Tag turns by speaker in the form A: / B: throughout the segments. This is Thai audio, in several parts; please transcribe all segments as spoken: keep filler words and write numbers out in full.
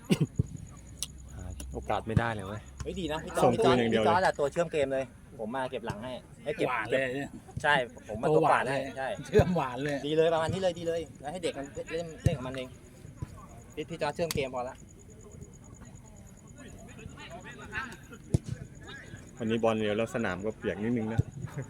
A: โอกาสไม่ได้เลยเว้ย
B: ไม่ดีนะพี่
A: ส่
B: ต้
A: ง
B: พี่
A: คื
B: ต้อน
A: อย่างเดียว
B: พี่ต้อตัวเชื่อมเกมเลย ผมมาเก็บหลังให้ให้เก็บ
C: หวาน
B: เก็
C: เล
B: บ
C: ยเนี่ย
B: ใช่ผมมาตัวหวานให้ใช่
C: เชื่อมหวานเลย
B: ดีเลยประมาณนี้เลยดีเลยแล้วให้เด็กมันเล่นเล่นกับมันเองพี่พี่จอร์จเชื่อมเกมพอละ
A: วันนี้บอลเร็วแล้วสนามก็เปียกนิดนึงนะ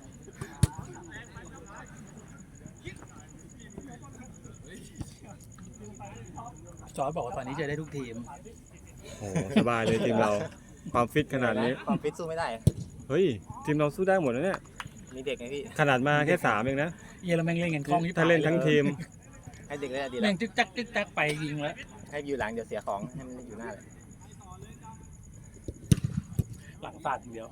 C: จอร์จบอกว่าตอนนี้เจอได้ทุกทีม
A: โอ้โหสบายเลยทีมเราความฟิตขนาดนี้
B: ความฟิตสู้ไม่ได้
A: เฮ้ยทีมเราสู้ได้หมดแล้วเนี่ย
B: มีเด็กไงพี่
A: ขนาดมาแค่สามเองนะ
C: เยอรมันเล่นกันคล่องที่
A: ถ้าเล่นทั้งทีม
B: ให้เด็กเล่นดีแล้
C: แม่
B: ว
C: งจึ๊กจักจึ๊กจักไปยิงแล้ว
B: ให้อยู่หลังเดี๋ยวเสียของให้มันอยู่หน้าเลย
C: หลังสาดอย่างเดียว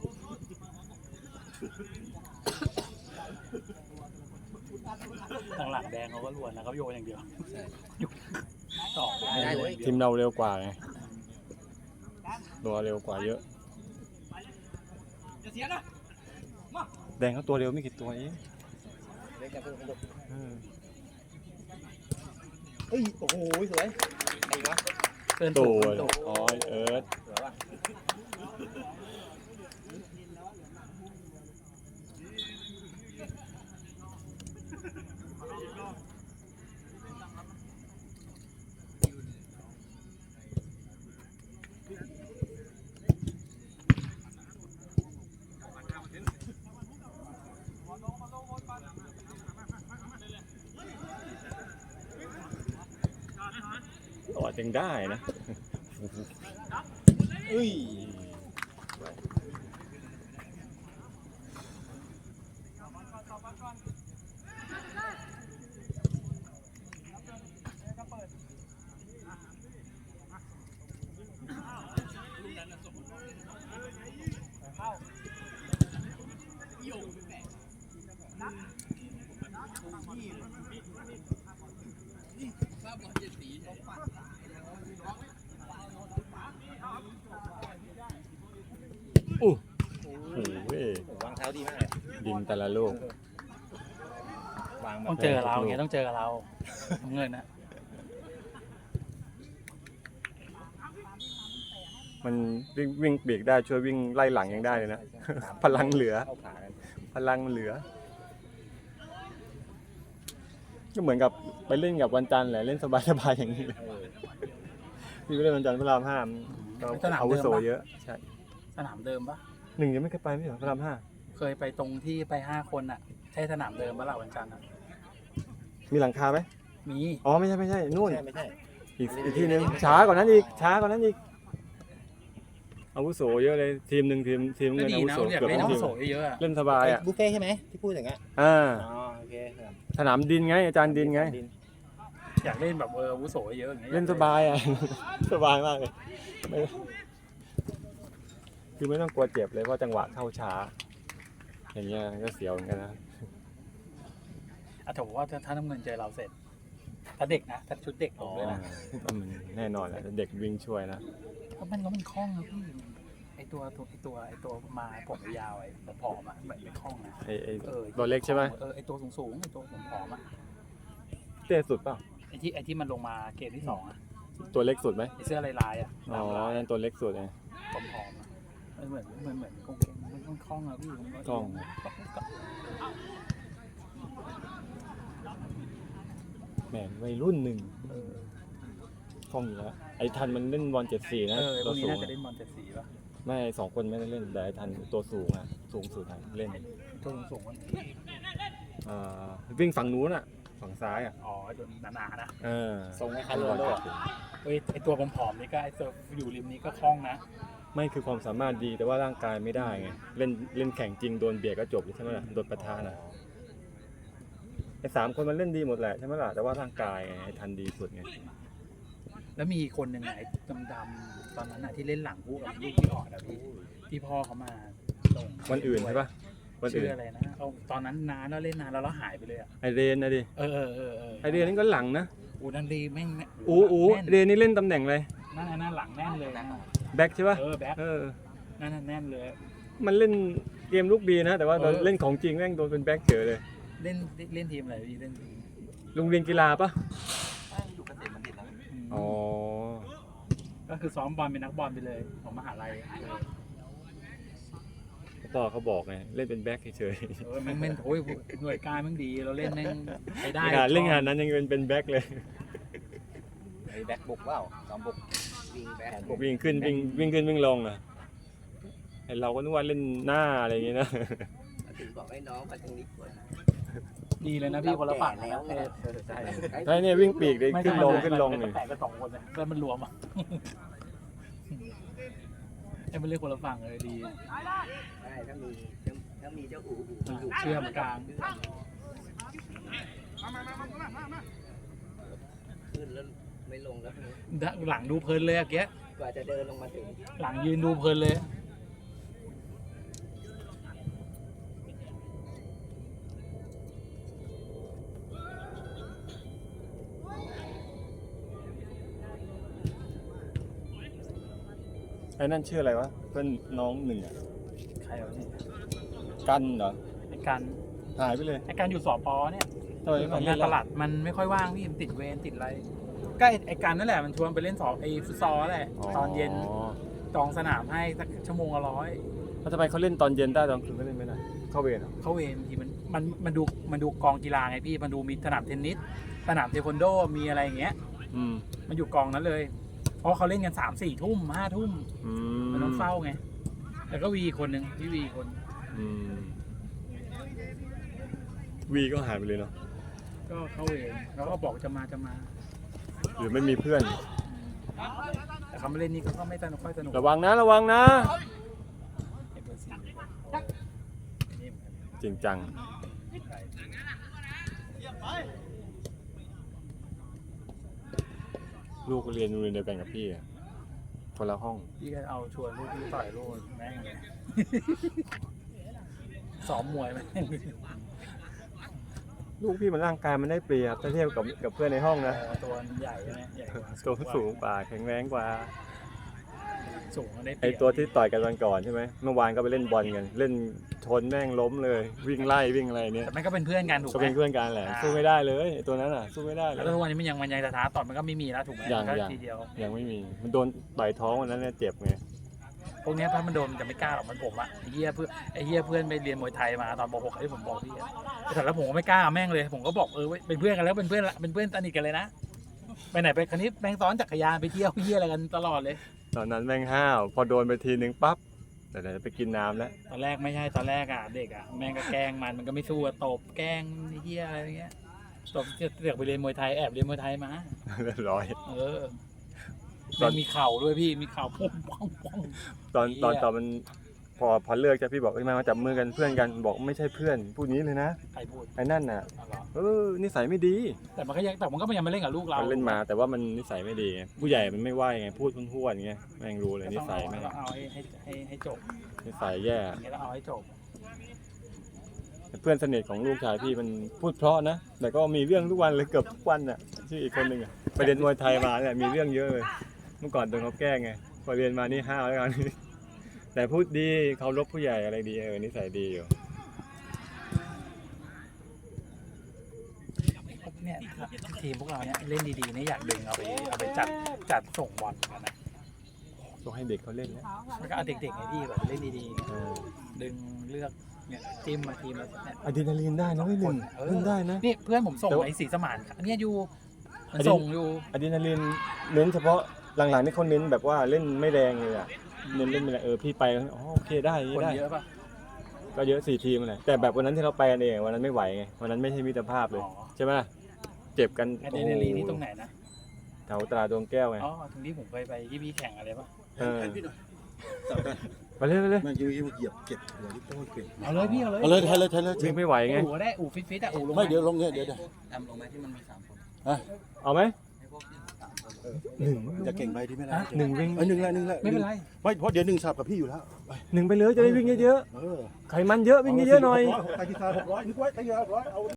C: ทางหลังแดงเขาก็ล้วนนะเขาโยนอย่างเดียวต่อได้เลย
A: ทีมเราเร็วกว่าไงตัวเร็วกว่าเยอะแดงเขาตัวเร็วไม่กี่ตัวเอง
B: เล่นกันเพื่อนลูก
A: เออ
B: เฮ้ยโอ้โหสวยไอ้วะ
C: เตือน
A: ตั
C: ถู
A: ว
C: กถูก
A: อ๋อเอิร์ธ
B: สวยว่ะ
A: ต่อจังได้นะ
B: เอ้ย
A: โอ้โห
B: วางเท้าดีมากเลย
A: ดินแต่ละลูก
B: วางแบ
C: ต้อบ งเจอเราไงต้องเจอเราเงินนะ
A: มันวิ่งวิ่งปีกได้ช่วยวิ่งไล่หลังยังได้เลยนะ พลังเหลือ
B: เข้าขากัน
A: พลังมันเหลือ ก็เหมือนกับไปเล่นกับวันจันทร์แหละเล่นสบายๆอย่างนี้
B: เออ
A: พี่ไปเล่นวันจันทร์พระรามห้าก็อาวุโสเยอะใช่
C: สนามเดิมปะ
A: หนึ่งยังไม่เคยไปไม่เหรอพระรามห้า
C: เคยไปตรงที่ไปห้าคนอ่ะใช่สนามเดิมปะล่ะวันจันทร์อะ
A: มีหลังคาไหม
C: มี
A: อ๋อไม่ใช่ไม่ใช่นู่น
B: ใช่ไม่ใช่
A: อีกอีกที่หนึ่งช้ากว่านั้นอีกช้ากว่านั้นอีกอาวุโสเยอะเลยทีมหนึ่งทีมทีม
C: ก็
A: เงิน
C: ดี
A: อาวุ
C: นะ
A: โส
C: อยาก
A: เกือบ
C: เล่น
A: ทั้ง
C: น้ำ
A: ทีม
C: โสเยอะๆอะ
A: เล่นสบายอ่ะ
B: บุฟเฟ่ใช่ไหมที่พูดอย่างเงี้ย
A: อ่า
B: อ๋อโอเคครับ
A: สนามดินไงอาจารย์ดินไง
C: อยากเล่นแบบเอออาวุโสเยอะอย่างเงี้ย
A: เล่นสบายอ่ะ สบายมากเลยไม่คือไม่ต้องกลัวเจ็บเลยเพราะจังหวะเข้าช้า อย่างเงี้ยก็เสียวเหมือนกันนะ
C: อ่ะถือว่าถ้าน้ำเงินเจอเราเสร็จ ถ้าเด็กนะถ้าชุดเด็กผมเลยนะ
A: ก็มันแน่นอนแหละเด็กวิ่งช่วยนะ
C: เพราะมันก็มันคล่องนะพี่ไอตัวตัวไอตัวไอตัวมาผมยาวไอ้ผอมๆอ่ะเหมือนไม่คล่องนะ
A: ไอ้ไอ้
C: เออ
A: ตัวเล็กใช่ไหม
C: เออไอตัวสูงๆไอตัวผอมๆอ่ะ
A: เตี้ยสุดเปล่า
C: ไอที่ไอที่มันลงมาเกมที่สองอ่ะ
A: ตัวเล็กสุดไหม
C: ไอเสื้อลายๆอ่ะ
A: อ๋อ
C: ลาย
A: นั่นตัวเล็กสุดไง
C: ๆผอมๆอ่ะมันเหมือนเหมือนเหมือนกงเกงมันมันคล่องอะพี่มัน
A: คล่อง แหมวัยรุ่นหนึ่งคล่องอยู่แล้วไอ้ทันมันเล่นบอลเจ็ดสี่นะ
C: เออพ
A: ตัว ว
C: กนี้
A: สูง
C: น่าจะเล่นบอลเจ็ดสีป่ะ
A: ไม่สองคนไม่ได้เล่นแต่ไอ้ทันตัวสูงอ่ะสูงสุดอะเล่น
C: ตัวสูงๆมัน
A: อ่าวิ่งฝั่งนู้นอ่ะฝั่งซ้ายอ่ะ
C: อ๋อตัวหนาๆนะ
A: เออ
B: ทรงคล้ายๆโรนัลโดอะ
C: เฮ้ยไอตัวผอมๆนี่ก็ไอตัวอยู่ริมนี้ก็คล่องนะ
A: ไม่คือความสามารถดีแต่ว่าร่างกายไม่ได้ไงเล่นเล่นแข่งจริงโดนเบียดก็จบใช่ไหมล่ะโดนปะทะนะไอ้สามคนมันเล่นดีหมดแหละใช่ไหมล่ะแต่ว่าร่างกายไงไอ้ทันดีสุดไง
C: แล้วมีคนหนึ่งไหนดำๆตอนนั้นอะที่เล่นหลังคู่กับลูกที่ออดอะพี่ที่พ่อเขามาส่ง
A: วันอื่นใช่ปะวัน
C: ชื่
A: อื่น
C: ออะไรนะเอาตอนนั้นนานแล้วเล่นนานแล้วแล้วหายไปเลยอะ
A: ไอเรนนะดิ
C: เออเออเออเออ
A: ไอเรนนี่ก็หลังนะ
C: อูนันดีแม่งแม่ง
A: อูอู
C: แน่น
A: เรนนี่เล่นตำแหน่งอะไร
C: นั่นน่ะนั่นหลังแน่นเลยนะ
A: แบ็คใช่ปะ
C: เออแบ็ค
A: เออ
C: นั่นน่ะแน่นเลย
A: มันเล่นเกมลูกดีนะ แต่ว่าตอน
C: เออ
A: เล่นของจริงแม่งโดนเป็นแบ็คเฉยเลย
C: เล่นเล่นทีมอะไรพี่เล่นทีม
A: โรงเรียนกีฬาปะ
B: อยู่เกษตรบัณฑิตแล้ว
C: ม
A: อ๋อ
C: ก็คือซ้อมบอลเป็นนักบอลไปเลยของมหาลัยเออ
A: พ่อเขาบอกไงเล่นเป็นแบ็คเฉย
C: เออแม่งแม่งโอ้ยหน่วยการแม่งดีเราเล่นแม่งไป
A: ๆ
C: ได้
A: งานเล่นงานนั้นยังเป็นเป็นแบ็คเลย
B: ไอ้แบ็คบุกเปล่าซ้อมบุกวิ่งแบ็คบุก
A: วิ่งขึ้นวิ่งวิ่งขึ้นวิ่งลงอ่ะไอเราก็นึกว่าเล่นหน้าอะไรอย่างเงี้ยนะ
B: ถึงบอกให้น้องมาทางนี้ก่อน
C: ดีเลยนะพี่คนละฝั่ง
B: แล้
C: แล้ว ว
B: ไง
C: ใช่
A: ใช่เนี่ยวิ่งปีกเลยขึ้นลงขึ้นลง
C: นี่
A: นี่
C: แตกกันสองคนเลยแล้วมันรวมอ่ะให้มันเล่นคนละฝั่งเลยดี
B: ใช่ถ้ามีถ้ามีเจ้าอู๋อู๋มันอยู่
C: เชื่อมกลาง
B: ขึ้นแล้วไม่ลงแล้ว
C: หลังดูเพลินเลยอะเกี้ย
B: กว่าจะเดินลงมาถึง
C: หลังยืนดูเพลินเลย
A: ไอ้นั่นชื่ออะไรวะเพื่อนน้องหนึ่งอ่ะ
C: ใครวะนี่
A: กันเหรอ
C: ไอ้การ
A: หายไปเลย
C: ไอ้การอยู่สปเนี่ย
A: ทำไม
C: ของงานตลาดมันไม่ค่อยว่างพี่มันติดเวรติดอะไรก็ไอ้ไอ้การนั่นแหละมันชวนไปเล่นสอบไอ้ฟุตซอลแหละตอนเย็นจองสนามให้สักชั่วโมงละร้อย
A: แล้วทำไมเขาเล่นตอนเย็นได้ตอนคืนไม่เล่นไม่ได้เข้าเวรเหรอ
C: เข้าเวรบางทีมันมันมันดูมันดูกองกีฬาไงพี่มันดูมีสนามเทนนิสสนามเทควันโดมีอะไรอย่างเงี้ย
A: อืม
C: มันอยู่กองนั้นเลย เพราะเขาเล่นกันสามสี่ทุ่มห้าทุ่ม
A: อืม
C: มันต้องเฝ้าไงแล้วก็วีคนหนึ่งพี่วีคน
A: อืมวีก็หายไปเลยเนาะ
C: ก็เข้าเวรแล้วก็บอกจะมาจะมา
A: หรือไม่มีเพื่อน
C: แต่เขาไม่เล่นนี่ก็ไม่สนุกค่อยสนุก
A: ระวังนะระวังนะ
C: ไอ้เบอร์สี่นี่เหมือนกัน
A: จริงจังลูกเรียนโรงเรียนเดียวกันกับพี่อะคนละห้อง
C: พี่ก็เอาชวนลูกพี่ต่อยลูกแม่งเลย ซ้อมมวยแม่ง
A: ลูกพี่มันร่างกายมันได้เปรียบถ้าเทียบกับกับเพื่อนในห้องนะ
C: เออตัวมันใหญ่ใช่ไหมใหญ่กว่า
A: ตัวสูงกว่าแข็งแรงกว่า
C: สูงมันได้เป
A: ไอ
C: รียบ
A: ตัวที่ต่อยกันวันก่อนใช่ไหมเมื่อวานก็ไปเล่นบอลกัน เล่นชนแม่งล้มเลย วิ่งไล่วิ่งอะไรเนี่ย
C: แต่มันก็เป็นเพื่อนกันถูก
A: ก็
C: ไหม
A: เป็นเพื่อนกันแหละสู้ไม่ได้เลยไอ้ตัวนั้นอ่ะสู้ไม่ได้เล
C: แล้ว
A: ย
C: ก็ทุกวันนี้มันยังมันยังจะท้าต่อยมันก็ไม่มีแล้วถูกไหม
A: ยัง
C: มันก็
A: ยัง
C: ทีเดียว
A: ยังไม่มีมันโดนต่อยท้องวันนั้นเนี่ยเจ็บไง
C: พวกเนี้ยถ้ามันโดนมันจะไม่กล้าหรอกมันผมอะไอ้เหี้ยเพื่อนไอ้เหี้ยเพื่อนไปเรียนมวยไทยมาตอนป .หก ที่ผมบอกพี่อะแต่แล้วผมก็ไม่กล้าแม่งเลย ผมก็บอกเออเว้ยเป็นเพื่อนกันแล้วเป็นเพื่อนละเป็นเพื่อนสนิทกันเลยนะไปไหนไปคันนี้แม่งซ้อนจักรยานไปเที่ยวเหี้ยอะไรกันตลอดเลย
A: ตอนนั้นแม่งห้าวพอโดนไปทีนึงปั๊บแต่เดี๋ยวจะไปกินน้ำแล้ว
C: ตอนแรกไม่ใช่ตอนแรกอะเด็กอะแม่งก็แกล้งมันมันก็ไม่สู้อะตบแกล้งไอ้เหี้ยอะไรอย่างเงี้ยตบเสือกไปเรียนมวยไทยแอบเรียนมวยไทยมา
A: เรียบร้อย
C: เออแม่งมีเข่าด้วยพี่มีเข่าปุ้งป้องป้อง
A: ตอน
C: เหี้ย
A: ตอนตอนมันพอพอเลิกจะพี่บอกเอ้ยมามาจับมือกันเพื่อนกันบอกไม่ใช่เพื่อนพูดนี้เลยนะ
C: ใครพูด
A: ไอ้นั่นน่ะ
C: อ๋อเหรอ
A: เออนิสัยไม่ดี
C: แต่มันก็ยังแต่มันก็ยังมาเล่นกับลูกเรา
A: มันเล่นมาแต่ว่ามันนิสัยไม่ดีไงผู้ใหญ่มันไม่ไหวไงพูดพ้วนๆไงแม่งรู้เลยนิสัยแม่ง
C: ก็ต้องเอาให้ให้ให้ให้จบ
A: นิสัยแย่
C: อย่างเงี้ยต้องเอาให้จบ
A: เพื่อนสนิทของลูกชายพี่มันพูดเพราะนะแต่ก็มีเรื่องทุกวันเลยเกือบทุกวันน่ะชื่ออีกคนหนึ่งอ่ะไปเรียนมวยไทยมาเนี่ยมีเรื่องเยอะเลยเมื่อก่อนโดนเขาแกล้งไงพอเรียนมานี่ห้าวแล้วกัน แต่พูดดีเขารพผู้ใหญ่อะไรดีเออนิสัยดีอยู่
C: เนี่ยทีมพวกเราเนี่ยเล่นดีๆเนี่ยอยากดึงเอาไปเอาไปจัดจัดส่งบอลกันนะ
A: ต้องให้เด็กเขาเล่นแล้ว
C: แล้วก็เอาเด็กๆไงพี่แบบเล่นดี
A: เออ
C: ๆดึงเลือกเนี่ยจิ้มมาทีมละเนี่ย
A: อะดรีนาลีนได้นะไม่หนึ่ง
C: เออ
A: เล่นได้นะ
C: นี่เพื่อนผมส่ง
A: แต่ว่า
C: ไอ้สีสมานเนี่ยอยู่มัน
A: อันนี้
C: ส่งอยู่
A: อะดรีนาลีนเน้นเฉพาะหลังๆนี่เขาเน้นแบบว่าเล่นไม่แรงเลยอ่ะเน้นเล่นไม่แรงเออพี่ไปอ๋อโอเคได้อย่าง
C: คน
A: นี้ได้
C: เยอะป่ะ
A: ก็เยอะสี่ทีมเลยแต่แบบวันนั้นที่เราไปกันเองวันนั้นไม่ไหวไงวันนั้นไม่ใช่มิตรภาพเลย
C: อ๋อ
A: ใช่ไหมเจ็บกัน
C: ไอ้เดนลีนี่ตรงไหนนะ
A: แถวตราดวงแก้วไง
C: อ๋อตรงที่ผมเคยไปที่พี่แข่งอะไรป่ะ
A: เออ
D: แทนพี่หน่อยจับกัน
A: ไปเลยไปเลย
D: เมื่อกี้เมื่อกี้เหยียบเก็บหัวที่โต้เก่ง
C: เอาเลยพี่เอาเลย
D: เอาเลยแทนเลยแทนเลย
A: วิ่งไม่ไหวไง
C: อู่ก็ได้อู่ฟิตฟิตๆอ่ะอู่ลง
D: ไม่เดี๋ยวลงเนี่ยเดี๋ยวเดี๋ยว
B: ทำลงไหมที่มันมีสามคน
A: เอาไหม
B: ให้พวกที่สามคน
A: หนึ่ง
D: จะเก่งไปที่ไม่ได้
A: หนึ่งวิ่ง
D: เออหนึ่งละหนึ่งละ
C: ไม่เป็นไร
D: ไม่เพราะเดี๋ยวหนึ่งสับกับพี่อยู่แล้วไป
A: หนึ่งไปเลยจะได้วิ่งเยอะ
D: เออ
A: ๆไขมันเยอะวิ่งเยอะๆหน่อย
D: ไปที่ซาหกร้อยนึกไว้ตั้งเยอะหกร้อยเอา